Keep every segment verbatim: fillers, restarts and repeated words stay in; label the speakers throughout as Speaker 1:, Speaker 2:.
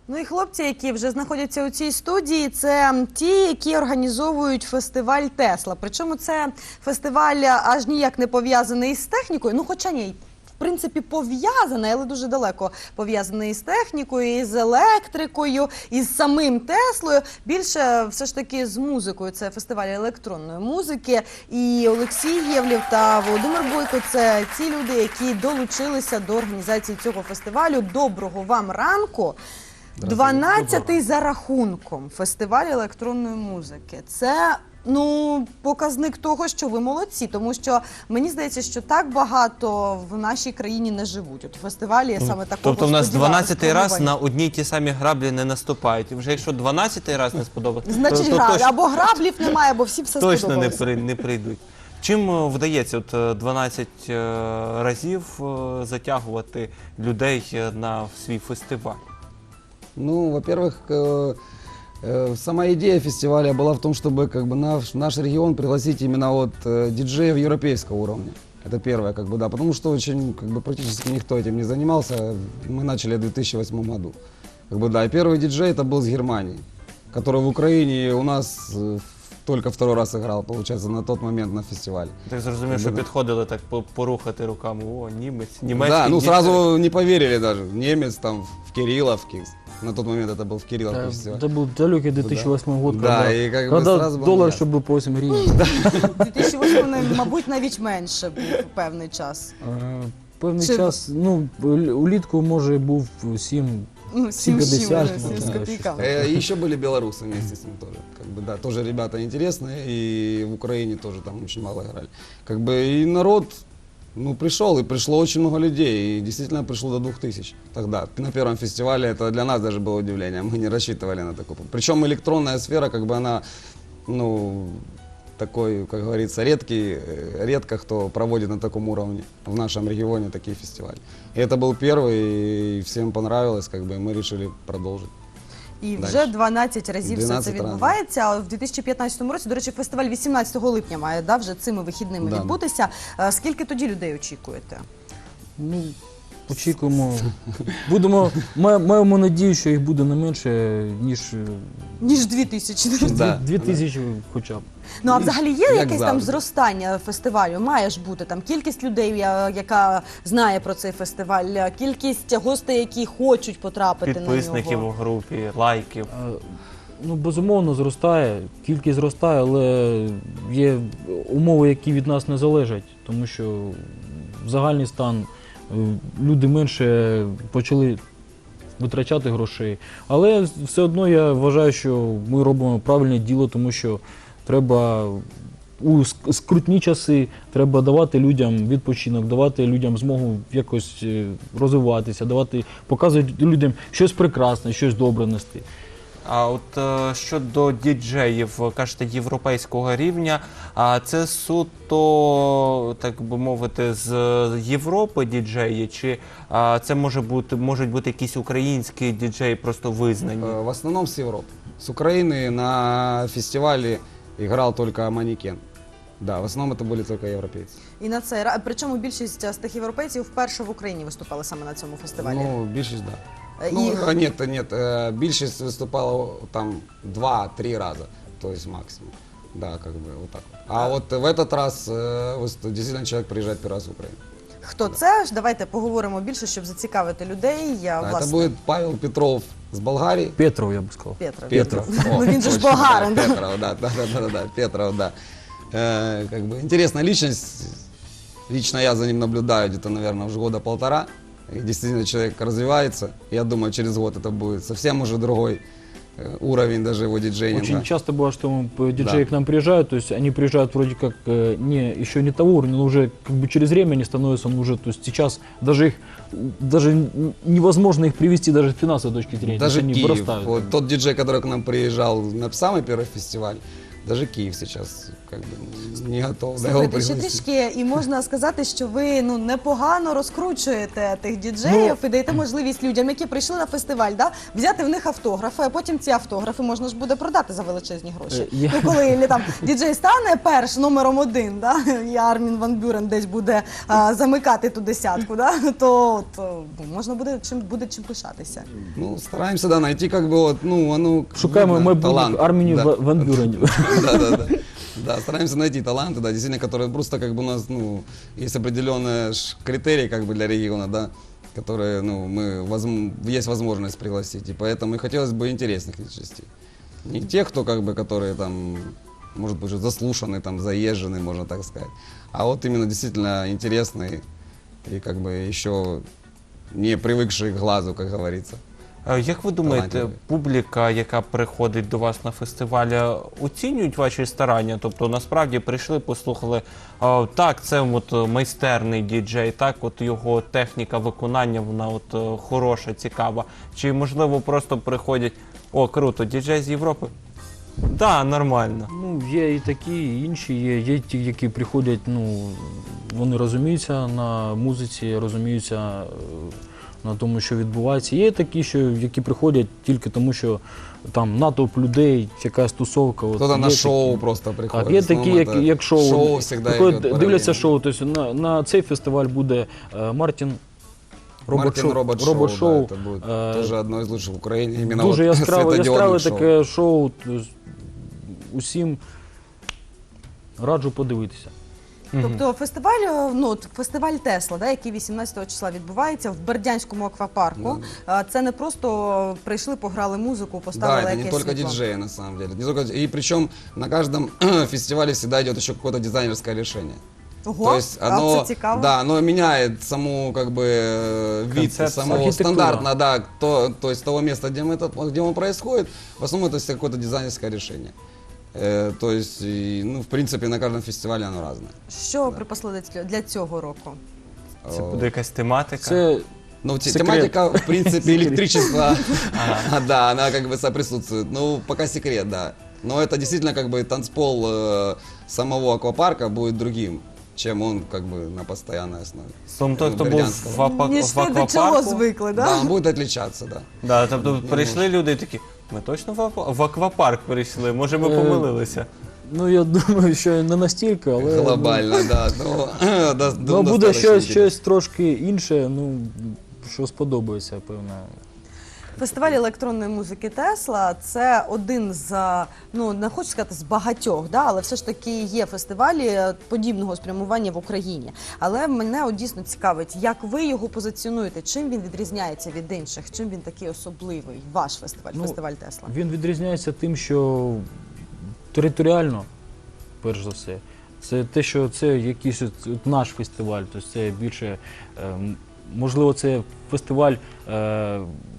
Speaker 1: Ну і хлопці, які вже знаходяться у цій студії, це ті, які організовують фестиваль «Тесла». Причому це фестиваль аж ніяк не пов'язаний із технікою, ну хоча ні, в принципі пов'язаний, але дуже далеко пов'язаний із технікою, із електрикою, із самим Теслою. Більше все ж таки з музикою, це фестиваль електронної музики. І Олексій Євлєв та Володимир Бойко – це ті люди, які долучилися до організації цього фестивалю. Доброго вам ранку! дванадцятий за рахунком фестиваль електронної музики. Це, ну, показник того, що ви молодці, тому що мені здається, що так багато в нашій країні не живуть. От у фестивалі саме такого.
Speaker 2: Тобто в нас дванадцятий раз
Speaker 1: спробування.
Speaker 2: на одні й ті самі граблі не наступають. І вже якщо дванадцятий раз не сподобається,
Speaker 1: Значить,
Speaker 2: то, то
Speaker 1: граблі.
Speaker 2: точно,
Speaker 1: Або граблів немає, або всі все
Speaker 2: точно не,
Speaker 1: сподобалося.
Speaker 2: при, не прийдуть. Чим е, вдається от е, дванадцять е, разів е, затягувати людей е, на свій фестиваль?
Speaker 3: Ну, во-первых, э, э, сама идея фестиваля была в том, чтобы как бы наш, наш регион пригласить именно вот э, диджеев европейского уровня. Это первое, как бы, да, потому что очень, как бы, практически никто этим не занимался. Мы начали в две тысячи восьмом году. Как бы, да, и первый диджей это был из Германии, который в Украине у нас э, только второй раз играл, получается, на тот момент на фестивале.
Speaker 2: Так зрозумів, що
Speaker 3: Да.
Speaker 2: підходили так по- порухати руками. О, німець, німецький.
Speaker 3: Да, ну
Speaker 2: діджей.
Speaker 3: сразу не поверили даже. Немец там в Кирилловке. На тот момент это был в Кирилловке
Speaker 4: Да,
Speaker 3: фестиваль.
Speaker 4: это был далекий две тысячи восьмой год,
Speaker 3: Да,
Speaker 4: когда,
Speaker 3: и как бы
Speaker 4: когда
Speaker 3: сразу было
Speaker 4: доллар,
Speaker 3: ясно.
Speaker 4: чтобы по восемь гривен.
Speaker 1: дві тисячі восьмий, мабуть, навіть менше був певний час.
Speaker 4: Е, Певний
Speaker 1: Чи-
Speaker 4: час, ну, улітку, може, був сім.
Speaker 1: Ну, сім
Speaker 4: п'ятдесят,
Speaker 1: сім,
Speaker 4: ну,
Speaker 1: сім з
Speaker 4: да,
Speaker 1: копійками.
Speaker 3: Э, И еще были белорусы вместе с ним тоже. Как бы, да, тоже ребята интересные, и в Украине тоже там очень мало играли. Как бы и народ, ну, пришел, и пришло очень много людей, и действительно пришло до двух тысяч тогда. На первом фестивале это для нас даже было удивление, мы не рассчитывали на такое. Причем электронная сфера, как бы она, ну, такой, как говорится, редкий, э, редко кто проводит на таком уровне в нашем регионе такие фестивали. И это был первый, и всем понравилось, как бы, и мы решили продолжить.
Speaker 1: І
Speaker 3: Дальше.
Speaker 1: вже дванадцять разів все це
Speaker 3: дванадцять разів.
Speaker 1: відбувається. А в дві тисячі п'ятнадцятому році, до речі, фестиваль вісімнадцятого липня має, да, вже цими вихідними
Speaker 3: Да.
Speaker 1: відбутися. Е, Скільки тоді людей очікуєте?
Speaker 4: Ну, очікуємо. Будемо, ма- маємо надію, що їх буде не менше, ніж е,
Speaker 1: Ніж дві тисячі.
Speaker 3: Да,
Speaker 4: дві
Speaker 3: да.
Speaker 4: тисячі хоча б.
Speaker 1: Ну, а взагалі є
Speaker 3: Як
Speaker 1: якесь там
Speaker 3: завжди.
Speaker 1: зростання фестивалю? Має ж бути там кількість людей, я- яка знає про цей фестиваль, кількість гостей, які хочуть потрапити на
Speaker 2: Підписників у
Speaker 1: нього.
Speaker 2: групі, лайків.
Speaker 4: Е, Ну, безумовно, зростає, кількість зростає, але є умови, які від нас не залежать, тому що в загальний стан е, люди менше почали витрачати грошей. Але все одно я вважаю, що ми робимо правильне діло, тому що треба у ск- скрутні часи треба давати людям відпочинок, давати людям змогу якось е, розвиватися, давати, показувати людям щось прекрасне, щось добре нести.
Speaker 2: А от е, щодо діджеїв, кажете, європейського рівня, а це суто, так би мовити, з Європи діджеї, чи а, це може бути, можуть бути якісь українські діджеї просто визнані?
Speaker 3: Э, В основном с Европы. С Украины на фестивале играл только Манекен. Да, в основном это были только европейцы.
Speaker 1: І на цей ра- причому більшість з тих європейців вперше в Україні виступали саме на цьому фестивалі.
Speaker 3: Ну, більшість, да.
Speaker 1: Е,
Speaker 3: Ну,
Speaker 1: і-
Speaker 3: а нет, нет, э, більшість выступала там два-три раза, то есть максимум. Да, как бы вот так вот. А вот в этот раз э, выступ- действительно человек приезжает первый раз в Украину.
Speaker 1: Хто це ж? Давайте поговоримо більше, щоб зацікавити людей. Я,
Speaker 3: Да, это
Speaker 1: власне,
Speaker 3: будет Павел Петров с Болгарии.
Speaker 4: Петров, я б сказав.
Speaker 1: Петров.
Speaker 3: Петров.
Speaker 1: Ну,
Speaker 3: О,
Speaker 1: він же ж
Speaker 3: точно,
Speaker 1: болгарин.
Speaker 3: да, Петров, да, да, да, да, да, Петров, да. Э, как бы интересная личность. Лично я за ним наблюдаю где-то, наверное, уже года полтора. И действительно человек развивается. Я думаю, через год это будет совсем уже другой э, уровень даже его диджейнинга.
Speaker 4: Очень часто бывает, что мы, п- диджеи
Speaker 3: Да.
Speaker 4: к нам приезжают, то есть они приезжают вроде как э, не, еще не того уровня, но уже как бы через время они становятся, ну, уже, то есть сейчас даже их, даже н- невозможно их привести даже с финансовой точки зрения.
Speaker 3: Даже
Speaker 4: то есть они
Speaker 3: Киев.
Speaker 4: вырастают.
Speaker 3: Вот тот диджей, который к нам приезжал на самый первый фестиваль, Даже Киев сейчас как бы не готов. да, его
Speaker 1: Слухайте, ще
Speaker 3: пригласить.
Speaker 1: трішки, і можна сказати, що ви ну непогано розкручуєте тих діджеїв і даєте можливість людям, які прийшли на фестиваль, да, взяти в них автографи, а потім ці автографи можна ж буде продати за величезні гроші.
Speaker 4: Е, я-
Speaker 1: Ну, коли лі- там діджей стане перш номером один, да, і Армін Ван Бюрен десь буде а, замикати ту десятку, да, то от, о, можна буде чим буде чим пишатися.
Speaker 3: Ну, стараемся, да, найти как бы вот, ну, оно...
Speaker 4: Шукаємо
Speaker 3: видно,
Speaker 4: майбутніх
Speaker 3: талант.
Speaker 4: Армінів
Speaker 3: Да.
Speaker 4: Ва- Ван Бюренів.
Speaker 3: Да, да, да. Да, стараемся найти таланты, да, действительно, которые просто как бы у нас, ну, есть определенные ж критерии как бы для региона, да, которые, ну, мы, возм- есть возможность пригласить, и поэтому и хотелось бы интересных личностей. Не тех, кто как бы, которые там, может быть, уже заслушаны, там, заезжены, можно так сказать, а вот именно действительно интересные и как бы еще не привыкшие к глазу, как говорится.
Speaker 2: Е, Як ви думаєте,
Speaker 3: Талантливі.
Speaker 2: публіка, яка приходить до вас на фестивалі, оцінюють ваші старання? Тобто насправді прийшли, послухали, «А, так, це от майстерний діджей, так, от його техніка виконання, вона от е, хороша, цікава. Чи можливо просто приходять, о, круто, діджей з Європи? Да, нормально.
Speaker 4: Ну, є і такі, і інші, є, є ті, які приходять, ну, вони розуміються на музиці, розуміються е, на тому, що відбувається. Є такі, що, які приходять тільки тому, що там натовп людей, якась тусовка. От,
Speaker 3: Кто-то
Speaker 4: є
Speaker 3: на шоу
Speaker 4: такі.
Speaker 3: просто приходит.
Speaker 4: Так, є
Speaker 3: В основном
Speaker 4: такі, як,
Speaker 3: это
Speaker 4: як шоу,
Speaker 3: Шоу всегда
Speaker 4: приходять,
Speaker 3: идет
Speaker 4: дивляться
Speaker 3: параллельно.
Speaker 4: шоу. Тобто на, на цей фестиваль буде е, Мартін
Speaker 3: Мартин
Speaker 4: робот-шоу.
Speaker 3: Робот Шоу,
Speaker 4: робот-шоу.
Speaker 3: да, это будет
Speaker 4: Е,
Speaker 3: тоже одно из лучших в Украине. Именно
Speaker 4: Дуже
Speaker 3: вот
Speaker 4: яскраве,
Speaker 3: светодиодных
Speaker 4: яскраве
Speaker 3: шоу.
Speaker 4: таке шоу. тобто усім раджу подивитися.
Speaker 1: Тобто фестиваль, ну от фестиваль Тесла, да, який вісімнадцятого числа відбувається в Бердянському аквапарку. А, Це не просто прийшли, пограли музику,
Speaker 3: Да,
Speaker 1: поставили
Speaker 3: это не
Speaker 1: якесь
Speaker 3: только
Speaker 1: світло.
Speaker 3: диджеи на самом деле. Не только... И причем на каждом фестивале всегда идет еще какое-то дизайнерское решение.
Speaker 1: Ого,
Speaker 3: То есть
Speaker 1: а
Speaker 3: оно,
Speaker 1: це цікаво.
Speaker 3: да, оно меняет саму как бы э, вид
Speaker 2: Концепцию.
Speaker 3: самого
Speaker 4: Архитектура.
Speaker 3: стандартно, да, то, то есть того места, где, мы это, где он происходит, в основном это всегда какое-то дизайнерское решение. Э, то есть, и, ну, в принципе, на каждом фестивале оно разное.
Speaker 1: Що припасли для цього- для цього року?
Speaker 2: Це буде якась тематика.
Speaker 4: Це
Speaker 3: Ну, те-
Speaker 4: Секрет.
Speaker 3: тематика, в принципе, электричество, да, она как бы соприсутствует. Ну, пока секрет, да. Но это действительно как бы танцпол э, самого аквапарка будет другим, чем он как бы на постоянной основе.
Speaker 2: Тобто той, хто був
Speaker 3: Бердянського.
Speaker 2: в, апа-
Speaker 1: Ніж
Speaker 2: в
Speaker 1: ти до чого
Speaker 2: аквапарку.
Speaker 1: звикли,
Speaker 3: Да,
Speaker 1: да?
Speaker 3: он будет отличаться, да.
Speaker 2: Да, тобто прийшли люди і такі, ми точно в, аква- в аквапарк прийшли, може ми
Speaker 4: Е,
Speaker 2: помилилися.
Speaker 4: ну я думаю, що не настільки, але
Speaker 3: Глобально, да. Ну, да,
Speaker 4: ну,
Speaker 3: ну,
Speaker 4: буде
Speaker 3: достаточно
Speaker 4: щось,
Speaker 3: интересно.
Speaker 4: щось трошки інше, ну що сподобається, певно.
Speaker 1: Фестиваль електронної музики Тесла це один з, ну не хочу сказати з багатьох, да, але все ж таки є фестивалі подібного спрямування в Україні. Але мене от дійсно цікавить, як ви його позиціонуєте, чим він відрізняється від інших, чим він такий особливий, ваш фестиваль,
Speaker 4: Ну,
Speaker 1: фестиваль Тесла.
Speaker 4: Він відрізняється тим, що територіально, перш за все, це те, що це якийсь от, от наш фестиваль, тобто це більше, е, м, можливо, це фестиваль. Е,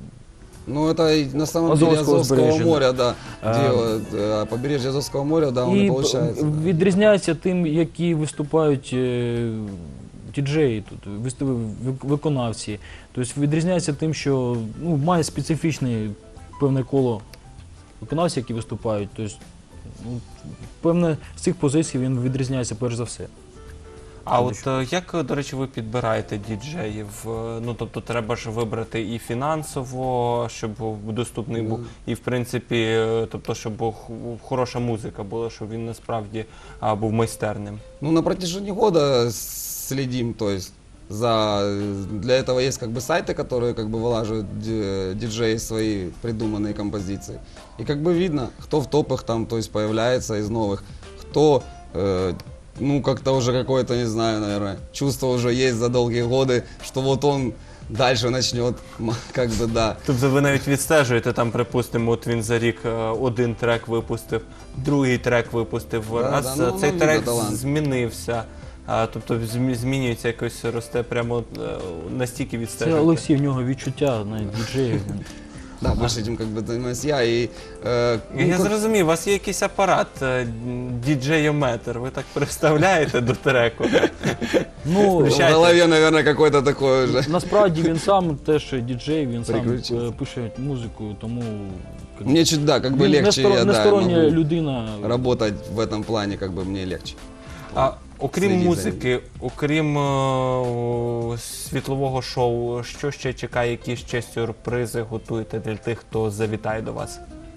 Speaker 3: Ну, это и на самом деле
Speaker 4: Азовского
Speaker 3: Азовского
Speaker 4: побережья,
Speaker 3: моря, да.
Speaker 4: А,
Speaker 3: Где вот, э, побережье Азовского моря, да, он и
Speaker 4: І
Speaker 3: получается. да.
Speaker 4: відрізняється тим, які виступають е, діджеї тут, виступ- вик- виконавці. Тобто відрізняється тим, що ну, має специфічне певне коло виконавців, які виступають. Тобто, ну, певне, з цих позицій він відрізняється перш за все.
Speaker 2: А от е, як, до речі, ви підбираєте діджеїв? Е, Ну, тобто треба ж вибрати і фінансово, щоб був доступний був, і в принципі, е, тобто, щоб був х- хороша музика була, щоб він насправді а, був майстерним.
Speaker 3: Ну, на протяжении года следим, то есть за для этого есть как бы сайты, которые как бы вылаживают ди- диджеи свои придуманные композиции. И как бы видно, кто в топах там, то есть появляется из новых, кто э, ну как-то уже какое-то, не знаю, наверное, чувство уже есть за долгие годы, что вот он дальше начнет, м, как бы да.
Speaker 2: Тобто ви навіть відстежуєте, там, припустимо, от він за рік е, один трек випустив, другий трек випустив,
Speaker 3: Да,
Speaker 2: раз
Speaker 3: да, ну,
Speaker 2: цей
Speaker 3: ну,
Speaker 2: трек
Speaker 3: видно талант.
Speaker 2: змінився, а, тобто змі- змінюється якось, росте прямо е, настільки
Speaker 4: Це
Speaker 2: відстежуєте.
Speaker 4: Олексій, в нього відчуття на діджеїв.
Speaker 3: Да, больше этим как бы занимаюсь я. И, э, ну,
Speaker 2: Я
Speaker 3: как-
Speaker 2: зрозумів, у вас є якийсь апарат, е, діджеyoметр, ви так представляєте до треку.
Speaker 4: Ну,
Speaker 3: в
Speaker 2: Включайте.
Speaker 3: голове, наверное, какой-то такой уже.
Speaker 4: насправді він сам теж діджей, він сам
Speaker 3: Переключився.
Speaker 4: е, пише музику, тому як,
Speaker 3: Мне чуть, да, как бы
Speaker 4: він
Speaker 3: легче,
Speaker 4: нестор-
Speaker 3: я, да,
Speaker 4: нестороння
Speaker 3: могу
Speaker 4: людина.
Speaker 3: работать в этом плане, как бы мне легче.
Speaker 2: А окрім
Speaker 3: Слідіть за
Speaker 2: музики, окрім е, світлового шоу, що ще чекає, які ще сюрпризи готуєте для тих, хто завітає до вас?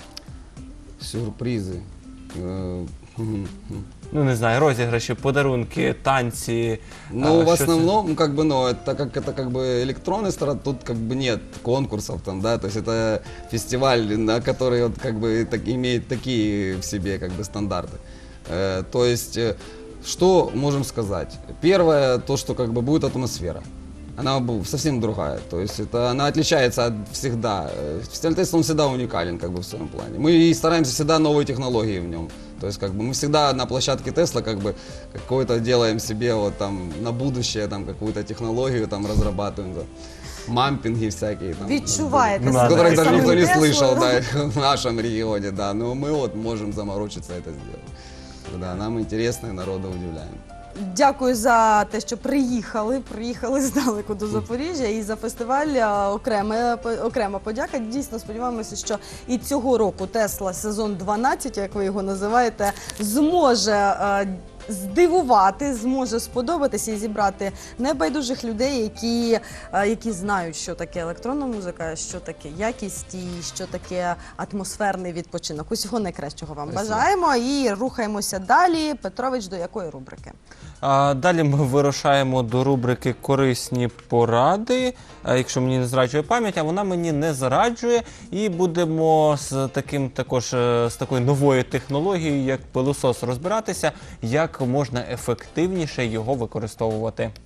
Speaker 3: Сюрпризы. Э, мгм.
Speaker 2: Ну, не знаю, розіграші, подарунки, танці.
Speaker 3: Ну,
Speaker 2: а,
Speaker 3: в
Speaker 2: що це?
Speaker 3: основном, ну, как бы, ну, это как это как бы электронный сторон, тут как бы нет конкурсов там, да, то есть это фестиваль, на который вот как бы так, имеет такие в себе как бы стандарты. Э, то есть, э, что можем сказать? Первое, то, что как бы будет атмосфера. Она бу- совсем другая, то есть это, она отличается от всегда. Э, Фестиваль Тесла, он всегда уникален как бы в своем плане. Мы и стараемся всегда новые технологии в нем. То есть как бы мы всегда на площадке Тесла как бы какой-то делаем себе вот там на будущее там какую-то технологию там разрабатываем, да. Мампинги всякие там.
Speaker 1: Відчуваєте
Speaker 2: Ну,
Speaker 1: себе
Speaker 2: да,
Speaker 3: Которых
Speaker 2: да.
Speaker 3: даже никто не
Speaker 1: самим
Speaker 3: слышал,
Speaker 1: Теслою.
Speaker 3: да, в нашем регионе, да. Но мы вот можем заморочиться это сделать. Да, нам интересно и народа удивляем.
Speaker 1: Дякую за те, що приїхали. Приїхали здалеку до Запоріжжя і за фестиваль а, окрема, окрема подяка. Дійсно сподіваємося, що і цього року Тесла сезон дванадцять, як ви його називаєте, зможе е, здивувати, зможе сподобатися і зібрати небайдужих людей, які, е, які знають, що таке електронна музика, що таке якість і що таке атмосферний відпочинок. Усього найкращого вам
Speaker 3: Спасибо.
Speaker 1: бажаємо і рухаємося далі. Петрович, до якої рубрики?
Speaker 2: А далі ми вирушаємо до рубрики «Корисні поради», а якщо мені не зраджує пам'ять, а вона мені не зраджує. І будемо з таким також е, з такою новою технологією, як пилосос, розбиратися, як можна ефективніше його використовувати.